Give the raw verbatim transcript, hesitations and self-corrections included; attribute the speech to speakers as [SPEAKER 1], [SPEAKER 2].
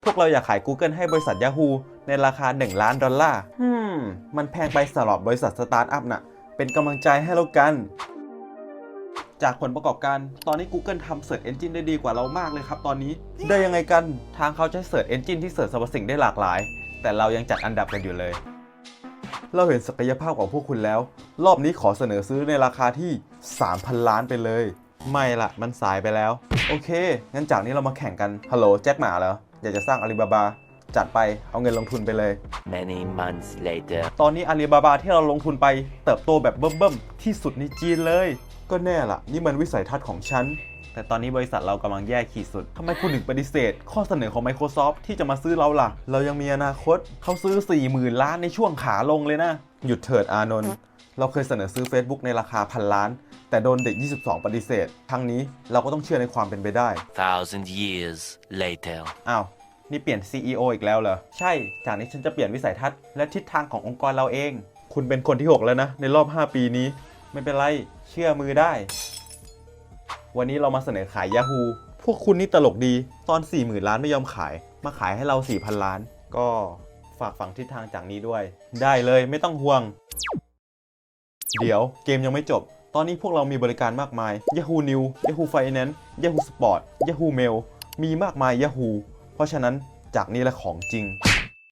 [SPEAKER 1] พวกเราอยากขาย Google ให้บริษัท Yahoo ในราคาหนึ่งล้านดอลลาร์ฮึมมันแพงไปสำหรับบริษัทสตาร์ทอัพน่ะเป็นกำลังใจให้แล้วกันจากผลประกอบการตอนนี้ Google ทำ Search Engine ได้ดีกว่าเรามากเลยครับตอนนี้ได้ยังไงกันทางเขาใช้ Search Engine ที่เสิร์ชสรรพสิ่งได้หลากหลายแต่เรายังจัดอันดับกันอยู่เลยเราเห็นศักยภาพของพวกคุณแล้วรอบนี้ขอเสนอซื้อในราคาที่ สามพัน ล้านไปเลยไม่ละมันสายไปแล้วโอเคงั้นจากนี้เรามาแข่งกันฮัลโหลแจ็คหมาเหรออยากจะสร้างอาลีบาบาจัดไปเอาเงินลงทุนไปเลย
[SPEAKER 2] Many months later
[SPEAKER 1] ตอนนี้อาลีบาบาที่เราลงทุนไปเติบโตแบบเบิ่มๆที่สุดในจีนเลยก็แน่ละนี่มันวิสัยทัศน์ของฉันแต่ตอนนี้บริษัทเรากำลังแย่ขีดสุดทำไมคุณถึงปฏิเสธข้อเสนอของ Microsoft ที่จะมาซื้อเราล่ะเรายังมีอนาคตเขาซื้อ สี่หมื่น ล้านในช่วงขาลงเลยนะหยุดเถิดอานนท์เราเคยเสนอซื้อ Facebook ในราคาพันล้านแต่โดนเด็กยี่สิบสองปฏิเสธครั้งนี้เราก็ต้องเชื่อในความเป็นไปได้
[SPEAKER 2] thousand years later
[SPEAKER 1] อ้าวนี่เปลี่ยน ซี อี โอ อีกแล้วเหรอใช่จากนี้ฉันจะเปลี่ยนวิสัยทัศน์และทิศทางขององค์กรเราเองคุณเป็นคนที่หกแล้วนะในรอบห้าปีนี้ไม่เป็นไรเชื่อมือได้วันนี้เรามาเสนอขาย Yahoo พวกคุณนี่ตลกดีตอน สี่หมื่น ล้านไม่ยอมขายมาขายให้เรา สี่พัน ล้านก็ฝากฝังทิศทางจากนี้ด้วยได้เลยไม่ต้องห่วงเดี๋ยวเกมยังไม่จบตอนนี้พวกเรามีบริการมากมาย Yahoo News Yahoo Finance Yahoo Sport Yahoo Mail มีมากมาย Yahoo เพราะฉะนั้นจากนี้แหละของจริง